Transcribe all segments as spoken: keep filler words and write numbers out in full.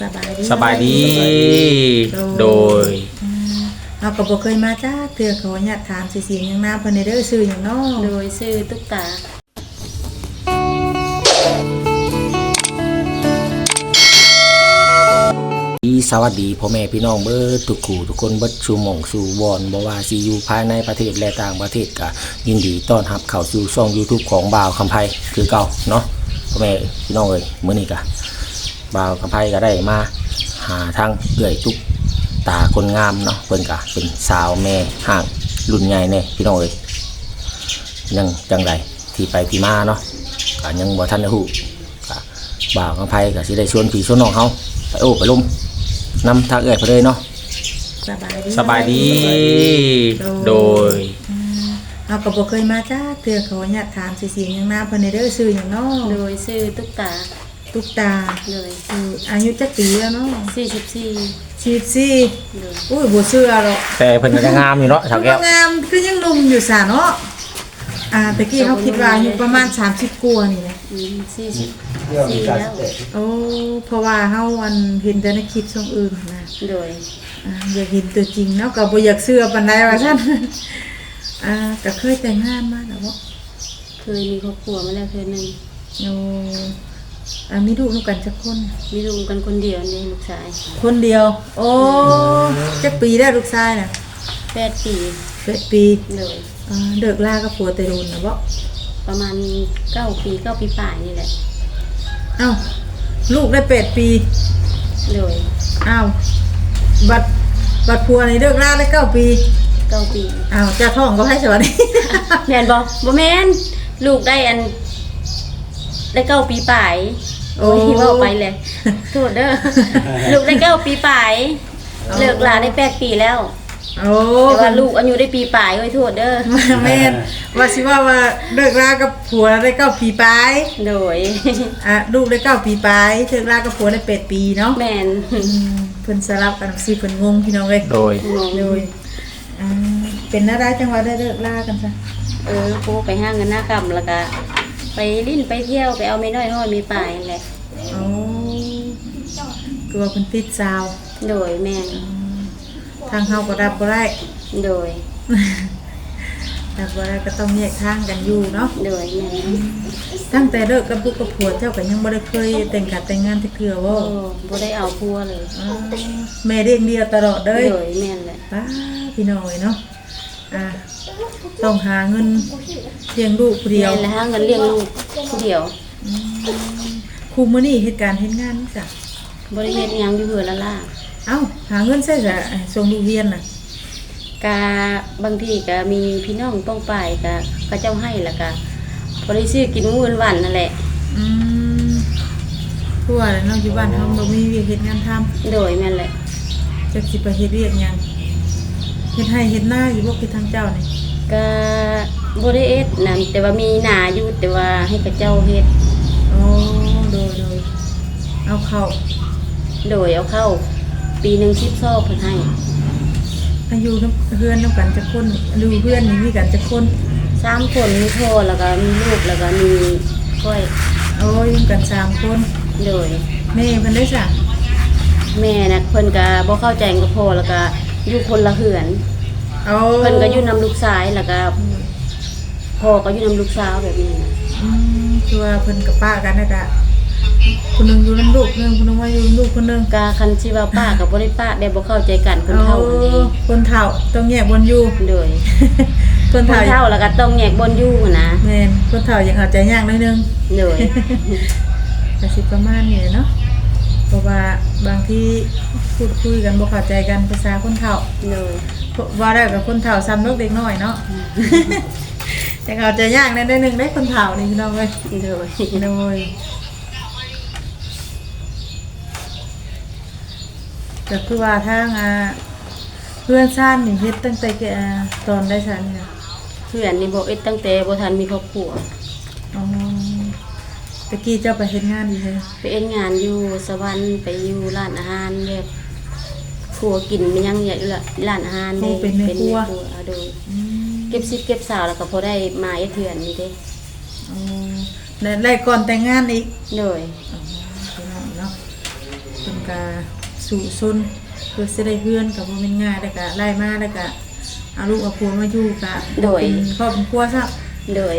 สบายดีสบายดีโดยเราก็บ่เคยมาจ้าเทื่อเขาอยากถามสิเสียงหยังน้าเพิ่นได้เด้อชื่อหยังน้อโดยชื่อตุ๊กตาสวัสดีพ่อแม่พี่น้องเบิดทุกคู่ทุกคนเบิดสู่หม่องสู่วอนบ่ว่าสิอยู่ภายในประเทศและต่างประเทศก็ยินดีต้อนรับเข้าสู่ช่อง YouTube ของบ่าวคำไพคือเก่าเนาะพ่อแม่พี่น้องเอ้ยมื้อนี้ก็บ่าวคำไพก็ได้มาหาทางเอื้อยตุ๊กตาคนงามเนาะเพิ่นก็เป็นสาวแม่ห้างรุ่นใหญ่แน่พี่น้องเอ้ยยังจังไดที่ไปที่มาเนาะก็ยังบ่ทันได้ฮู้ก็บ่าวคำไพก็สิได้ชวนพี่ชวนน้องเฮาไปโอ้ไปลุ่มนำทางเอื้อยไปเลยเนาะสบายดีสบายดีโดยเราก็บ่เคยมาจ้าเทื่อเขาอยากถามสิเสียงหยังน้าเพิ่นได้เด้อชื่อหยังน้อโดยชื่อตุ๊กตาตุ๊กตาเลยอายุจักปีแล้วเนาะสี่สิบสี่สี่สิบสี่อุ้ยบ่เชื่อหรอกแต่เพิ่นก็ยังงามอยู่เนาะสาวแก้วงามคือยังหนุ่มอยู่ซะเนาะอ่าตะกี้เขาคิดว่าอายุประมาณสามสิบกว่านี่แหละอืมสี่สิบสี่แล้วโอ้เพราะว่าเฮาอันเห็นแต่ในคลิปช่องอื่นนะโดยอ่าอยากเห็นตัวจริงเนาะก็บ่อยากเชื่อปานใดว่าซั่นอ่าก็เคยแต่งงานมาแล้วบ่เคยมีครอบครัวมาแล้วเคยนึงโอ้อ่ามีลูกนำกันจักคนมีลูกกันคนเดียวนี่ลูกชายคนเดียวโอ้จักปีได้ลูกชายน่ะแปดปีแปดปีเลยอ่าเลิกลากับผัวแต่โดนน่ะบ่ประมาณเก้าปีเก้าปีปลายนี่แหละอ้าวลูกได้แปดปีเลยอ้าวบัดบัดผัวนี่เลิกลาได้เก้าปีเก้าปีอ้าวจะท้องก็ให้สวัสดีแม่นบ่บ่แม่นลูกได้อันได้เก้าปีปลายโอ้ยเว้าไปเลยโทษเด้อลูกได้เก้าปีปลายเลิกลาได้แปดปีแล้วโอ้แต่ว่าลูกอายุได้ปีปลายโอ้ยโทษเด้อแม่นว่าสิว่าว่าเลิกลากับผัวได้เก้าปีปลายโดยอ่ะลูกได้เก้าปีปลายเลิกลากับผัวได้แปดปีเนาะแม่นเพิ่นสลับกันสิเพิ่นงงพี่น้องเอ้ยโดยโดยอ่าเป็นอะไรจังว่าได้เลิกลากันซะเออโคไปห้างกันหน้าค่ำแล้วก็ไปลิ้นไปเที่ยวไปเอาไม่น้อยห้อยมีปลายแหละโอ้กลัวเพิ่นติดสาวโดยแม่นทางเฮาก็รับบ่ได้โดยรับบ่ได้ก็ต้องแยกทางกันอยู่เนาะโดยแม่ตั้งแต่เลิกกับลูกกับผัวเจ้าก็ยังบ่ได้เคยแต่งกันแต่งงานจักเทื่อบ่บ่ได้เอาผัวเลยแม่เลี้ยงเดียวตลอดเลยโดยแม่นแหละป้าพี่น้อยเนาะอ่าต้องหาเงินเลี้ยงลูกผู้เดียวแม่นแล้วหาเงินเลี้ยงลูกผู้เดียวครูมื้อนี้เฮ็ดการเฮ็ดงานนี่จ้ะบ่ได้เฮ็ดหยังอยู่เหือละล่ะเอ้าหาเงินใช้จะส่งลูกเรียนน่ะกะบางทีก็มีพี่น้องป้องปายก็เขาเจ้าให้แล้วก็บ่ได้ซื้อกินมื้อวันนั่นแหละอืมคือว่าเนาะอยู่บ้านเฮาบ่มีเวียกเฮ็ดงานทำโดยแม่นแหละจักสิไปเฮ็ดเวียกหยังเฮ็ดให้เฮ็ดนาอยู่บ่คือทางเจ้านี่ก็บ่ได้เฮ็ดนั่นแต่ว่ามีหน้าอยู่แต่ว่าให้เขาเจ้าเฮ็ดอ๋อโดยโดยเอาเข้าโดยเอาเข้าปีหนึ่งสิบซอกเพิ่นให้อายุน้ำเพื่อนน้ำกันจะคนดูเพื่อนนี่มีกันจะคนสามคนมีพ่อแล้วก็มีลูกแล้วก็มีก้อยโอ้ยมีกันสามคนโดยแม่เพิ่นได้สั่งแม่น่ะเพิ่นก็บ่เข้าใจกับพ่อแล้วก็อยู่คนละเหือนเอาเพิ่นก็อยู่นำลูกชายแล้วก็พ่อก็อยู่นำลูกสาวแบบนี้อืมคือว่าเพิ่นกับป้ากันนะกะคนนึงอยู่นำลูกนึงคนนึงว่าอยู่นำลูกคนนึงกะคันสิว่าป้ากับบ่ได้ป้าแบบบ่เข้าใจกันคนเฒ่าอันนี้คนเฒ่าต้องแยกบนอยู่โดยคนเฒ่าแล้วก็ต้องแยกบนอยู่นะแม่นคนเฒ่ายังเข้าใจยากนิดนึงโดยก็สิประมาณนี้เนาะเพราะว่าบางทีพูดคุยกันบ่เข้าใจกันภาษาคนเฒ่าโดยว่าได้กับคนเฒ่าซ้ำลูกเด็กน้อยเนาะแต่เข้าใจยากนิดนึงได้คนเฒ่านี่พี่น้องเอ้ยโดยโดยก็คือว่าทางอ่าเพื่อนซ่านนี่เฮ็ดตั้งแต่ตอนได้ซ่านนี่นะเพื่อนนี่บ่เอ็ดตั้งแต่บ่ทันมีครอบครัวอ๋อตะกี้เจ้าไปเฮ็ดงานอยู่ไสไปเอ็ดงานอยู่สวรรค์ไปอยู่ร้านอาหารแบบครัวกินมันยังใหญ่ร้านอาหารเด้เป็นแม่ครัวโดยเก็บซิปเก็บสาวแล้วก็พอได้มาเอ็ดเถื่อนนี่เด้อ๋อได้ก่อนแต่งงานอีกโดยเนาะเพิ่นก็สู่ซนเพื่อสิได้เฮือนก็บ่แม่นง่ายแล้วก็ไล่มาแล้วก็เอาลูกเอาผัวมาอยู่ก็เป็นครอบครัวซะโดย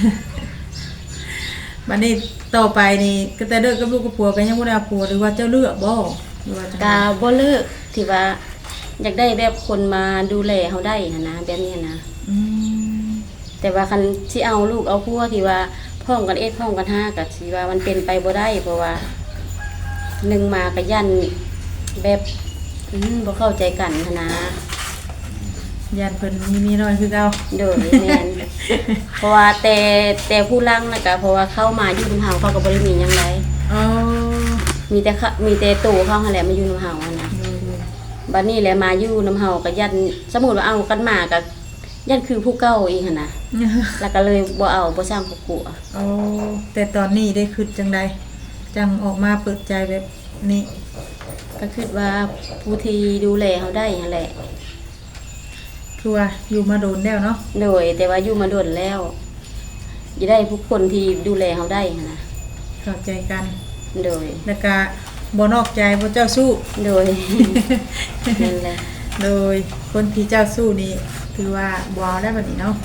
บัดนี้ต่อไปนี่ก็แต่เลิกกับลูกกับผัวก็ยังบ่ได้เอาผัวหรือว่าเจ้าเลือกบ่หรือว่าจังกาบ่เลิกที่ว่าอยากได้แบบคนมาดูแลเฮาได้หันนะแบบนี้นะอืมแต่ว่าคันสิเอาลูกเอาผัวที่ว่าพร้อมกันเอ็ดพร้อมกันห้าก็สิว่ามันเป็นไปบ่ได้เพราะว่าหนึ่งมาก็ยันแบบอืมบ่เข้าใจกันหั้นนะยันเพิ่นมีมีน้อยคือเก่าโดยแม่น เพราะว่าแต่แต่ผู้ลังนะก็เพราะว่าเข้ามาอยู่นำเฮาเขาก็บ่ได้มีหยังไดอ๋อมีแต่เขามีแต่ตู่เขาหั่นแหละมาอยู่นำเฮาหั่นนะดูบัดนี้แหละมาอยู่นำเฮาก็ยันสมมุติว่าเอากันมาก็ยันคือผู้เก่าอีกหั่นนะแล้วก็เลยบ่เอาบ่สร้างผู้กัวโอ้แต่ตอนนี้ได้คิดจังใดจังออกมาเปิดใจแบบนี้ก็คิดว่าผู้ที่ดูแลเฮาได้หั่นแหละคือว่าอยู่มาโดนแล้วเนาะโดยแต่ว่าอยู่มาโดนแล้วสิได้ผู้คนที่ดูแลเฮาได้หั่นนะเข้าใจกันโดยแล้วก็บ่นอกใจบ่เจ้าสู้โดย นั่นแหละโดยคนที่เจ้าสู้นี่คือว่าบ่เอาได้บัดนี้เนาะ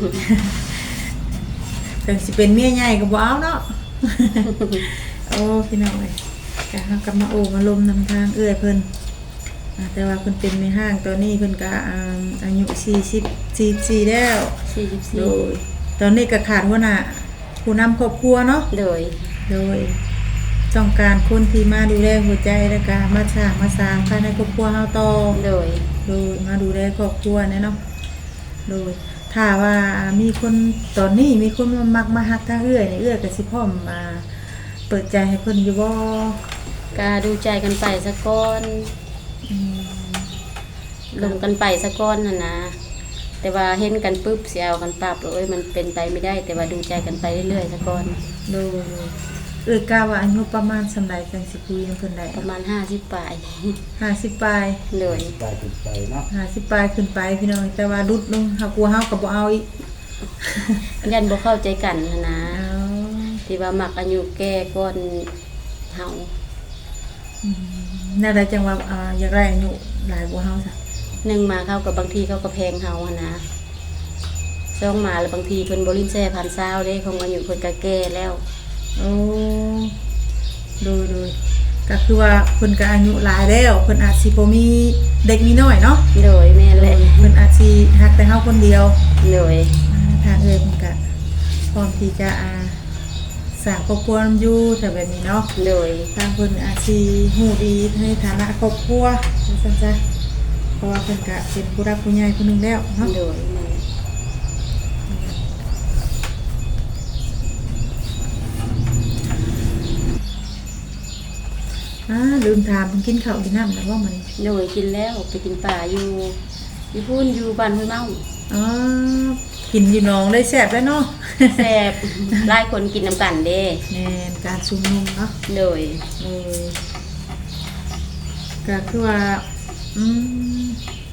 ถึงสิเป็นเมียใหญ่ก็บ่เอาเนาะ โอ้พี่น้องเอ้ยก็เฮากลับมาโอ้มาลมนำทางเอื้อยเพิ่นอ่าแต่ว่าเพิ่นเป็นในห้างตอนนี้เพิ่นก็อ่าอายุสี่สิบ สี่สิบสี่แล้วสี่สิบสี่โดยตอนนี้ก็ขาดหัวหน้าผู้นำครอบครัวเนาะโดยโดยต้องการคนที่มาดูแลหัวใจและก็มาสร้างมาสร้างภายในครอบครัวเฮาต่อโดยโดยมาดูแลครอบครัวเนี่ยเนาะโดยถ้าว่ามีคนตอนนี้มีคนมามักมาฮักทางเอื้อยนี่เอื้อยก็สิพร้อมมาเปิดใจให้เพิ่นอยู่บ่ก็ดูใจกันไปสักก้อนอืมลงกันไปสักก้อนน่ะนะแต่ว่าเห็นกันปุ๊บสิเอากันปรับเลยมันเป็นไปไม่ได้ แต่ว่าดูใจกันไปเรื่อยๆสักก้อนโดยเอื้อยกล้าว่าอายุประมาณสำใดจังสิคุยนำเพิ่นได้ประมาณห้าสิบปลายห้าสิบปลายโดยไปถึงไปเนาะห้าสิบปลายขึ้นไปพี่น้องแต่ว่าดุดลงเฮากลัวเฮาก็บ่เอาอีกยันบ่เข้าใจกันน่ะนะเอาที่ว่ามักอายุแก่ก้อนเฮาอืมน่าได้จังว่าอ่าอยากได้อายุหลายกว่าเฮาซะหนึ่งมาเข้ากับบางทีเขาก็แพงเฮาหั่นนะสองมาแล้วบางทีเพิ่นบ่ลิ้นแซ่พันซาวเด้คงอายุเพิ่นก็แก่แล้วโอ้ดูดูก็คือว่าเพิ่นก็อายุหลายแล้วเพิ่นอาจสิบ่มีเด็กมีน้อยเนาะโดยแม่นแหละเพิ่นอาจสิฮักแต่เฮาคนเดียวโดยอ่าทางเอ้ยเพิ่นก็พร้อมที่จะอ่าสร้างครอบครัวอยู่แต่แบบนี้เนาะโดยทางเพิ่นอาจสิฮู้ดีในฐานะครอบครัวว่าซั่นซะเพราะว่าเพิ่นก็เป็นผู้รักผู้ใหญ่ผู้หนึงแล้วเนาะโดยแม่นอ่าลืมถามเพิ่นกินข้าวกินน้ำแล้วว่ามันโดยกินแล้วไปกินป่าอยู่อยู่พุ่นอยู่บ้านห้วยเมาอ๋อกินอยู่หนองได้แซ่บแล้วเนาะแซ่บหลายคนกินน้ำกันเด้แม่นการชุมนุมเนาะโดยเออก็คือว่าอืม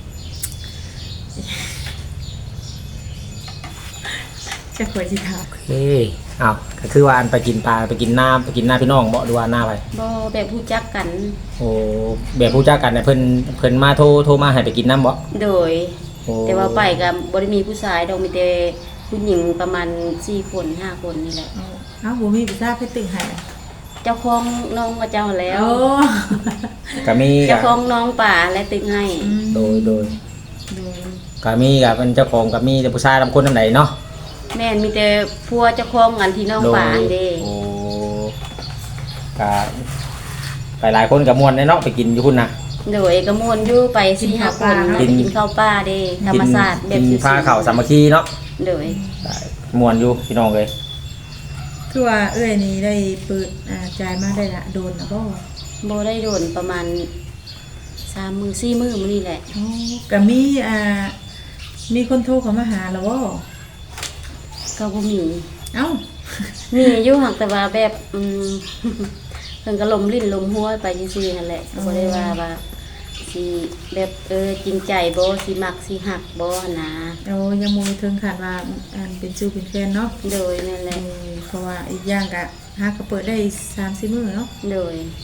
จะขอสิถามโอเคอ้าวก็คือว่าอันไปกินปลาไปกินน้ำไปกินหน้าพี่น้องบ่หรือว่าหน้าไปบ่แบบรู้จักกันโอ้แบบผู้จักกันเนี่ยเพิ่นเพิ่นมาโทรโทรมาให้ไปกินน้ำบ่โดยโอ้แต่ว่าไปก็บ่ได้มีผู้ชายดอกมีแต่ผู้หญิงประมาณสี่คนห้าคนนี่แหละเอาเอ้าบ่มีพิซซ่าเพชรตึงให้อะเจ้าของน้องกับเจ้าแล้วโอ้ก็มีเจ้าก็ของน้องป่าและตึกให้อืมโดยโดยโดยก็มีก็เป็นเจ้าของก็มีแต่ผู้ชายลำคนนำไหนเนาะแม่นมีแต่พัวเจ้าของกันที่น้องโดยป่าอันเด้โอ้ก็ไปหลายคนกับมวนเนาะไปกินอยู่พุ่นน่ะโดยกระมวลอยู่ไปสี่ห้าคนกินกินข้าวป่าเด้ธรรมศาสตร์แบบกินชิวๆผ้าข้าวสามัคคีเนาะโดยได้มวนอยู่พี่น้องเลยคือว่าเอ้ยนี่ได้เปิดอ่าจ่ายมาได้ละโดนนะบ่โบได้โดนประมาณสามมือสี่มือมื้อนี่แหละโอ้ก็มีอ่ามีคนโทรเข้ามาหาแล้วบ่ก็บ่มีเอ้ามีอยู่หักแต่ว่าแบบอืม เพิ่นก็ลมลิ้นลมหัวไปซื่อๆนั่นแหละก็บ่ได้ว่าว่าสิแบบเออจริงใจบ่สิมักสิหักบ่หั่นนะเอายังบ่ถึงขั้นว่าอันเป็นชื่อเป็นแฟนเนาะโดยนั่นแหเอละอเพราะว่าอีกอย่างก็หาก็เปิดได้สามสี่มื้อเนาะโดย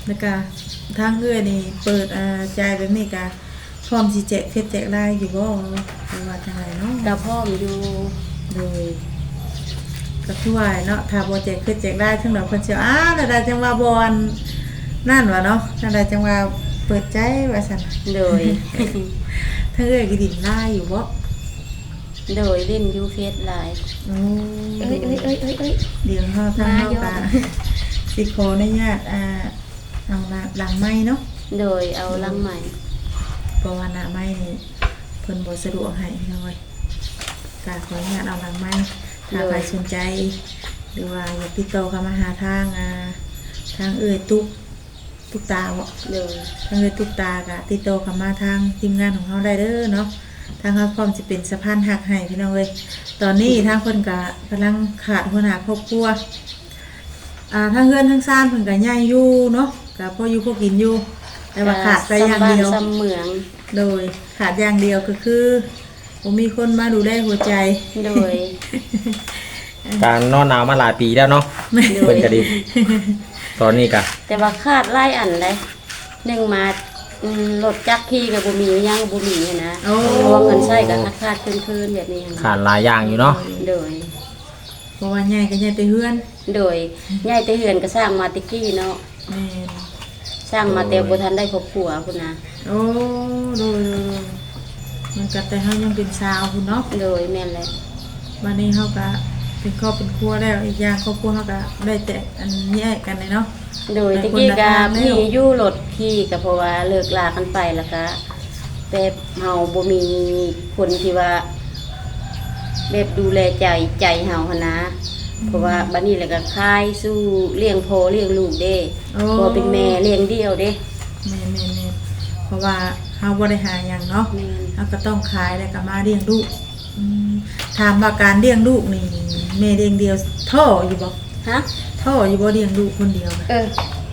แล้วก็ทางเอื้อยนี่เปิดอ่าจ่ายแบบนี้ก็พร้อมสิแจกเพชรแจกได้อยู่บ่หรือว่าจังไดเนาะกับพ่อมอยู่โดยก็คือว่าเนาะถ้าบ่แจกเพชรแจกได้ทั้งดอกเพิ่นสิอ้าวแล้วได้จังว่าบ่อนนั่นว่าเนาะจังไดจังว่าเปิดใจว่าซั่นโดยทางเอื้อยก็ดินได้อยู่บ่โดยเล่นอยูเฟสไลน์โอ้เอ้ยเอ้ยเอ้ยเอ้ยเอ้ยเดี๋ยวเฮาทางเฮามาก็ยอดสิขออนุญาตอ่าเอาละหลังไม้เนาะโดยเอาลังใหม่เพราะว่าหน้าไม้นี่เพิ่นบ่สะดวกให้พี่น้อยก็ขออนุญาตเอาหลังไม้ถ้าใครสนใจ หรือว่าอยากติดต่อเข้ามาหาทางอ่าทางเอื้อยตุ๊กตุ๊กตาบ่โดยทางเอื้อยตุ๊กตาก็ติดต่อเข้ามาทางทีมงานของเฮาได้เด้อเนาะทางเฮาพร้อมสิเป็นสะพานหักให้พี่น้องเอ้ยตอนนี้ทางเพิ่นก็กำลังขาดหัวหน้าครอบครัวอ่าทางเฮือนทางซ่านเพิ่นก็ใหญ่อยู่เนาะก็พออยู่พอกินอยู่ แต่ว่าขาดไปอย่างเดียวซ้ำบ้านซ้ำเมืองโดยขาดอย่างเดียวก็คือผมมีคนมาดูแลหัวใจโดยการนอนหนาวมาหลายปีแล้วเนาะโดเพิ่ยนก็ดี ตอนนี้ก็แต่ว่าคาดไล่อันเลยหนึ่งมาอืมรถจักรขี่กับบุมีย่างบุมีหั้นนะโอ้เพราะว่าเงินใช้กับคาดคาดๆคืนๆแบบนี้หั้นนะขาดหลายอย่างอยู่เนาะโดยเพราะว่าใหญ่ก็ใหญ่แต่เฮือนโดยย่ายแต่เหือนก็สร้างมาแติกี้เนาะแม่นสร้างมาแต่บ่ทันได้ครอบครัวพุ่นนะโอ้โดยโดยมันก็แต่เฮายังเป็นสาวพุ่นเนาะโดยแม่นแหละวันนี้เฮาก็เป็นครอบเป็นครัวแล้วอีกอย่างครอบครัวเฮาก็ได้แต่อันแยกกันเลยเนาะโดยแต่ตะกี้คนละก็ทางแล้วมีอยู่รถขี่ก็เพราะว่าเลิกลากันไปแล้วก็แบบเฮาบ่มีคนที่ว่าแบบดูแลใจใจเฮาหันนะ เพราะว่าบัดนี้แหละก็คายสู้เลี้ยงพ่อเลี้ยงลูกเด้โอ้พ่อเป็นแม่เลี้ยงเดี่ยวเด้แม่นแม่นแม่นเพราะว่าเฮาบ่ได้หาหยังเนาะแม่นเฮาก็ต้องขายแล้วก็มาเลี้ยงลูกอืมถามว่าการเลี้ยงลูกนี่แม่เลี้ยงเดียวท่ออยู่บ่ฮะท่ออยู่บ่เลี้ยงลูกคนเดียวนะเออ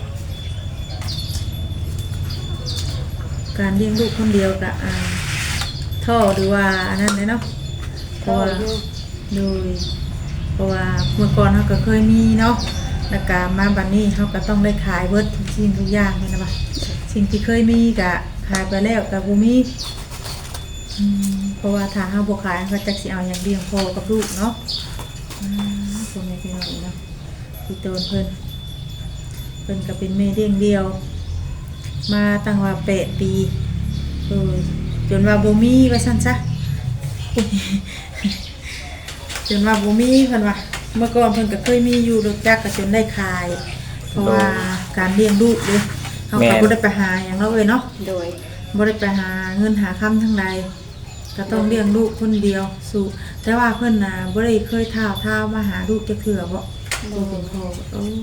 การเลี้ยงลูกคนเดียวกับอ่าท่อหรือว่าอันนั้นเลยเนาะเพพ่อราะว่าอยู่โดยเพราะว่าเมื่อก่อนเขาก็เคยมีเนาะแล้วก็มาบัดนี้เขาก็ต้องได้ขายเบิดทุกสิ่งทุกอย่างเลยนะบ่ะสิ่งที่เคยมีก็ขายไปแล้วก็บ่มีอืมเพราะว่าถ้าเฮาบ่ขายเขาจักสิเอาหยังเลี้ยงพ่อกับลูกเนาะอืมพ่อแม่พี่น้องเนาะพี่โตนเพิ่นเพิ่นก็เป็นแม่เลี้ยงเดียว มาตั้งว่าแปดปีเออจนว่าบ่มีว่าซั่นซะ จนว่าบ่มีเพิ่นว่าเมื่อก่อนเพิ่นก็เคยมีอยู่รถจักรก็จนได้ขาย เพราะว่าการเลี้ยงลูกเด้เฮาก็บ่ได้ไปหาหยังเนาะเอ้ยเนาะโดยบ่ได้ไปหาเงินหาคำทั้งใดก็ต้องเลี้ยงลูกคนเดียวสู่แต่ว่าเพิ่นน่ะบ่ได้เคยท้าวท้าวมาหาลูกจักเทื่อบ่ตัวเป็นพ่อโอ้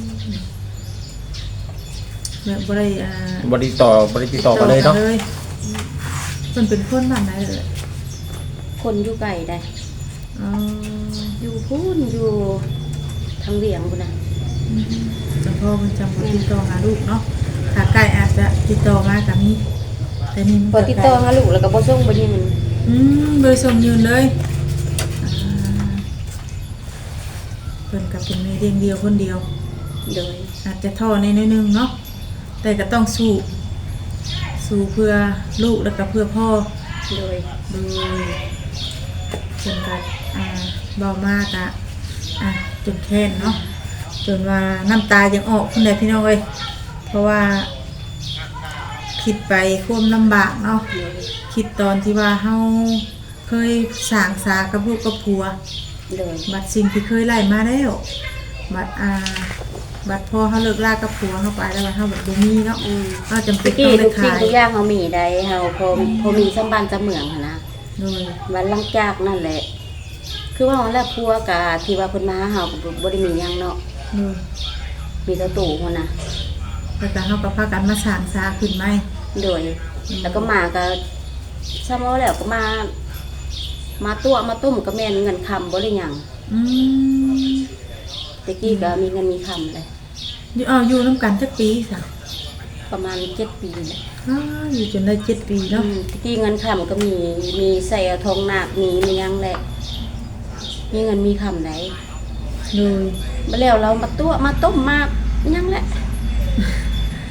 แบบบ่ได้อ่าบริต่อบริติดต่อกันเลยเนาะมันเป็นคนบ้านไหนเลยคนอยู่ไกลได้อ๋ออยู่พูนอยู่ทางเวียงพุ่นน่ะจังพ่อมันจำบ่ติดต่อหาลูกเนาะถ้าใกล้อาจจะติดต่อมากับมีแต่นี่มันพอติดต่อหาลูกแล้วก็บ่ส่งบ่ยิงอืมโดยส่งยืนเลยอ่าเพิ่นกับเป็นแม่เลี้ยงเดียวคนเดียวโดยอาจจะท่อในนิดนึงเนาะแต่ก็ต้องสู้สู้เพื่อลูกแล้วก็เพื่อพ่อโดยโดยจนกัดอ่าเบามากอะอ่ะจนแค้นเนาะจนว่าน้ำตายังออกคนใดพี่น้องเอ้ยเพราะว่าคิดไปความลำบากเนาะโดยคิดตอนที่ว่าเฮาเคยสร้างสากับลูกกับผัวโดยบัดสิ่งที่เคยไล่มาแล้วบัดอ่าบัดพอเฮาเลิกลากับผัวเฮาไปแล้วบัดเฮาบัดบ่มีเนาะอืมเฮาจำเป็ตะนกี้ต้องได้ทุกสิ่งขายทุกอย่างเฮามีได้เฮาพอพอมีสัมบันธ์จะเหมืองหั้นนะโดยวันหลังจากนั่นแหละ คือว่าแล้วพัวกะที่ว่าเพิ่นมาหาเฮาก็บ่ได้มีหยังเนาะโดยมีแต่ตู้พุ่นน่ะแล้วก็เฮาก็พากันมาสร้างสาขึ้นใหม่โดย แล้วก็มาก็ซ้ำเอาแล้วก็มา มาตัวมาต้มก็แม่นเงินคำบ่ได้หยังอืมตะกี้ก็มีเงินมีคำเลยอยู่เอาอยู่นํกันจักปีซะประมาณเจ็ดปีเลยอ้าอยู่จนได้เจ็ดปีอืเนาะมตะกี้เงินคำก็มีมีใส่เอาทองหนักมีมีหยังแหละ มีเงินมีคำไหนโดยมาแล้วเรามาตัวมาต้มมาหยังแหละ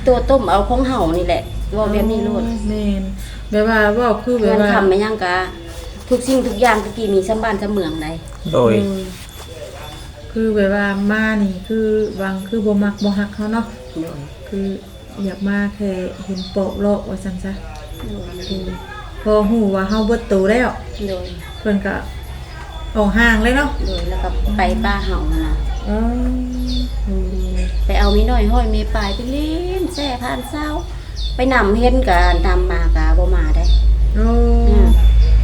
ตัวต้มเอาของเห่านี่แหละว่าแบบนี้โลดแม่นแบบว่าเว้าคือแบบเงินว่าคำไม่ยังกะทุกสิ่งทุกอย่างตะกี้มีสำบ้านสำเมืองใดโดยเออคือแบบว่ามานี่คือวางคือบ่มักบ่ฮักเขาเนาะโดยคืออยากมาแค่เห็นโปะโลกว่าซั่นซะโดยคือพอฮู้ว่าเฮาเบิดโตแล้วโดยเพิ่นก็ออกห่างเลยเนาะโดยแล้วก็ไปป้าเห่านะอ๋ออืมไปเอามีน้อยห้อยมีปลายไปเล่นแซ่ผ่านเศร้าไปนำเห็นกะนำมากะบ่มาได้โอ้อืม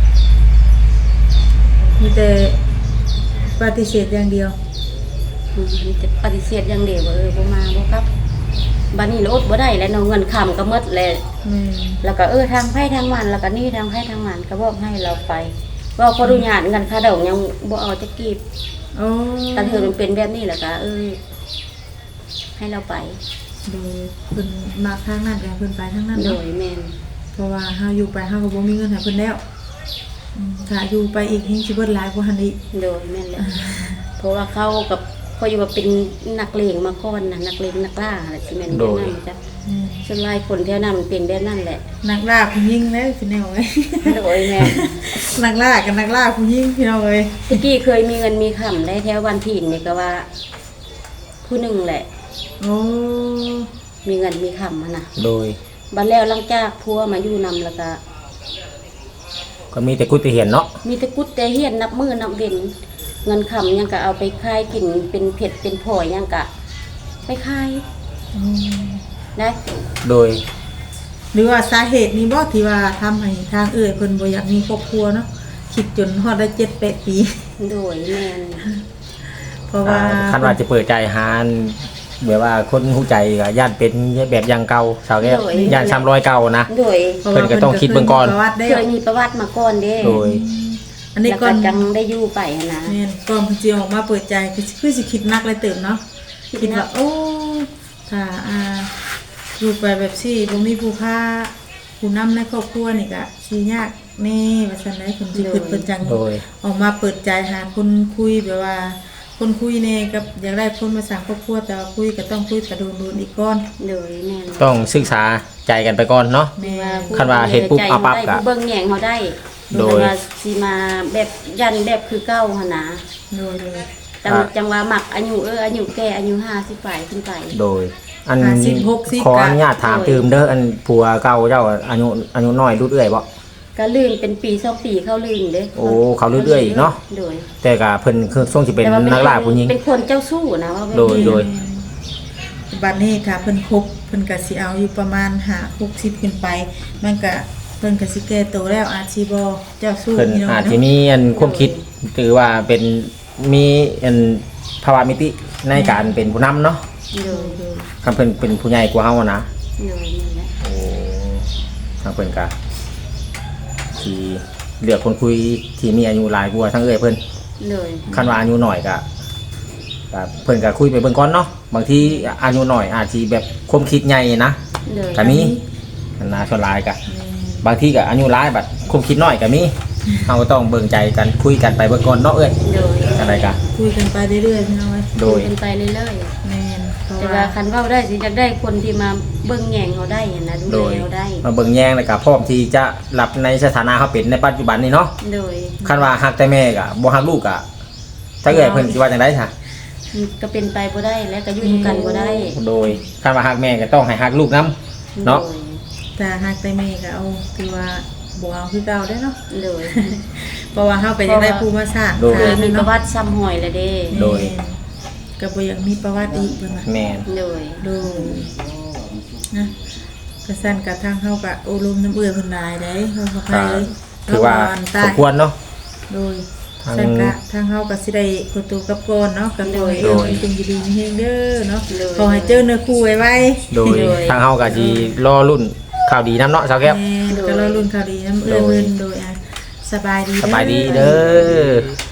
มีแต่ปฏิเสธอย่างเดียวอืมมีแต่ปฏิเสธอย่างเดียวว่าเออบ่มาบ่ครับบัดนี้อดบ่ได้แล้วเนาะเงินคำก็หมดแล้วแม่นแล้วก็เออทางไผทางมันแล้วก็นี่ทางไผทางมันก็บอกให้เราไปว่าขออนุญาตเงินค่าดอกยังบ่เอาจะกีบโอ้กันเธอมันเป็นแบบนี้แหละก็เออให้เราไปโดยเพิ่นมาทางนั้นแล้วเพิ่นไปทางนั้นโดเนาะยแม่นเพราะว่าเฮาอยู่ไปเฮาก็บ่มีเงินให้เพิ่นแล้วอืมถ้าอยู่ไปอีกเฮงสิเบิดหลายกว่าหั่นอีกโดยแม่นแหละเพราะว่าเขากับเขาอยู่ว่าเป็นนักเลงมาก่อนนะนักเลงนักล่าอะไรสิแม่นโดแบบยนั้นจ้ะอืมส่วนหลายคนแถวนั้นมันเป็นแบบนั้นแหละนักล่าผู้หญิงแล้วพี่น้องเอ้ยโดยแม่นนักล่ากับนักล่าผู้หญิงพี่น้องเอ้ยตะกี้เคยมีเงินมีคำได้แถววันถิ่นนี่ก็ว่า ผู้หนึ่งแหละโอ้มีเงินมีคำมานะโดยบัดแล้วหลังจากพัวมาอยู่นำแล้วก็ก็มีแต่กุฏิเห็นเนาะมีแต่กุดแต่เฮียนนับมือนับเว้นเงินคำยังก็เอาไปขายกินเป็นเผ็ดเป็นผอยยังก็ไปขายอืมนะโดยหรือว่าสาเหตุนี้บ่ที่ว่าทำให้ทางเอ้ยเพิ่นบ่อยากมีครอบครัวเนาะคิดจนฮอดได้เจ็ดแปดปีโดยแม่นเพราะว่าอ่าคันว่าจะเปิดใจหาแบบว่าคนหูใจก็ย่านเป็นแบบอย่างเก่าสาวแก้วย่านซ้ำรอยเก่านะโดยพราะเพิ่ว่านก็ต้องคิดเบิ่งก่อนประวัติได้เคยมีประวัติมาก่อนเด้โดยอันนี้แล้วก่ก็อนจังได้อยู่ไปหั้นนะแม่นก่อนเพิ่นสิออกมาเปิดใจคือคือสิคิดหนักเลยเติมเนาะคิดคิดหนัว่าก โอ้ถ้าอ่าอยู่ไปแบบซี่บ่มีผู้พาผู้นำในครอบครัวนี่ก็สิยากแน่ว่าซั่นได้เพิ่นสิคิดเพิ่นจังโดยออกมาเปิดใจหาคนคุยแบบว่า คนคุยแน่กับอยากได้คนมาสร้างครอบครัวแต่ว่าคุยก็ต้องคุยกระโดนโดนอีกก่อนโดยแม่นต้องศึกษาใจกันไปก่อนเนาะแม่คันว่าเฮ็ดปุ๊บเอาปั๊บก็ผู้เบิ่งแยงเขาได้โดยแต่ว่าสิมาแบบยันแบบคือเก่าหั่นนะโดยโดยจังจังว่ามักอายุเอออายุแก่อายุห้าสิบปลายขึ้นไปโดย อันห้าสิบหกสิบขออนุญาตถามตืมเด้ออันผัวเก่าเจ้าอายุอายุน้อยรุ่นเอื้อยบ่ก็ลื่นเป็นปีสองปีเข้าลื่นเด้โอ้เขาเรื่อยๆอีกเนาะโดยแต่ก็เพิ่นคือช่วงสิเป็นแต่ว่านักล่าผู้หญิงเป็นคนเจ้าสู้นะว่าแบบโดยนี้โดยบัดนี้ถ้าเพิ่นคบเพิ่นก็สิเอาอยู่ประมาณห้า หกสิบขึ้นไป มันก็เพิ่นก็สิแก่โตแล้วอาจสิบ่เจ้าสู้เพิ่นพี่น้องอาจจะเนาะมีอันความคิดถือว่าเป็นมีอันภาวะมิติในการเป็นผู้นำเนาะโดยโดยคันเพิ่นเป็นผู้ใหญ่กว่าเฮานะโดยนี่แหละโอ้ทางเพิ่นก็ที่เลือกคนคุยที่มีอายุหลายกว่าทั้งเอ้อยเพิ่นโดยคันว่าอายุน้อยก็ก็เพิ่นก็คุยไปเบิ่งก่อนเนาะบางทีอายุน้อยอาจสิแบบความคิดใหญ่นะโดยก็มีอันนาชวนหลายก็บางทีก็อายุหลายบัดความคิดน้อยก็มีเฮาก็ต้องเบิ่งใจกันคุยกันไปเบิ่งก่อนเนาะเอ้ยโดยอะไรก็คุยกันไปเรื่อยๆพี่น้องเอ้ยโดยเป็นไปเรื่อยแม่นเพราะๆแต่ว่าว่าคันเว้าได้สิจะได้คนที่มาเบิ่งแยงเขาได้หั้นนะดูโดแลยเขาได้มาเบิ่งแยงแล้วก็พร้อมที่จะรับในสถานะเขาเป็นในปัจจุบันนี้เนาะโดยคันว่าฮักแต่แม่ก็บ่ฮักลูกก็ถ้าเกิดเพิ่นสิว่าจังได๋ซะมันก็เป็นไปบ่ได้แล้วก็อยู่ด้วยกันบ่ได้โดยคันว่าฮักแม่ก็ต้องให้ฮักลูกนํ เนาะถ้าหากแต่แม่ก็เอาคือว่าบ่เอาคือเก่าได้อเนาะโดยเพราะว่าเฮาก็อยากได้ผู้มาสร้างโดยเคยมีฐานประเนาะวัติซ้ำหอยแล้วเด้โดยแม่นก็บ่อยากมีประวัติอีกเพิ่นว่าแม่นโดยโดยนะกระสั้นกระทั่งเข้ากับโอลมน้ำเอื้อเพิ่นหลายได้เฮาก็ไปเลยถือว่าเรสมควรเนาะโดยทางสั้นกะทางเฮาก็สิได้ขอตัวกลับก่อนเนาะกับโดยโดยเป็นดีๆมีเฮงเด้อเนาะขอให้เจอเนื้อคู่ไวๆโดยทางเฮาก็สิรอรุ่นข่าวดีนํเนาะสาวแก้วแม่นก็รอรุ่นข่าวดีน้ำเอื้อเพิ่นโดยอ่ะสบายดีสบายดีเด้อ